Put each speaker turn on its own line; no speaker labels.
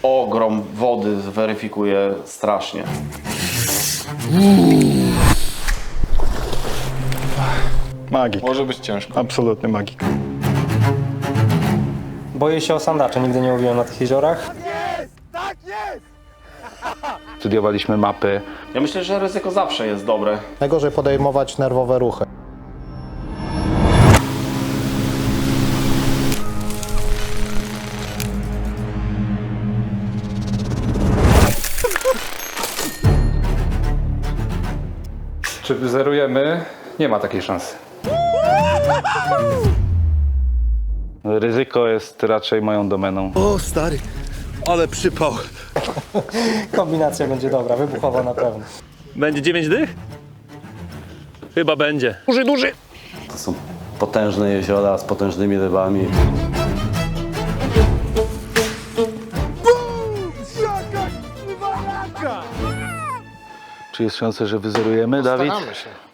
ogrom wody weryfikuje strasznie.
Magik.
Może być ciężko.
Absolutny magik.
Boję się osandaczy, nigdy nie łowiłem na tych jeziorach.
Studiowaliśmy mapy.
Ja myślę, że ryzyko zawsze jest dobre.
Najgorzej podejmować nerwowe ruchy.
Czy wyzerujemy? Nie ma takiej szansy. Ryzyko jest raczej moją domeną.
O stary, ale przypał.
Kombinacja będzie dobra, wybuchowa na pewno.
Będzie 9 dych? Chyba będzie.
To są potężne jeziora z potężnymi rybami.
Czy jest szansa, że wyzerujemy, Dawid?
Staramy się.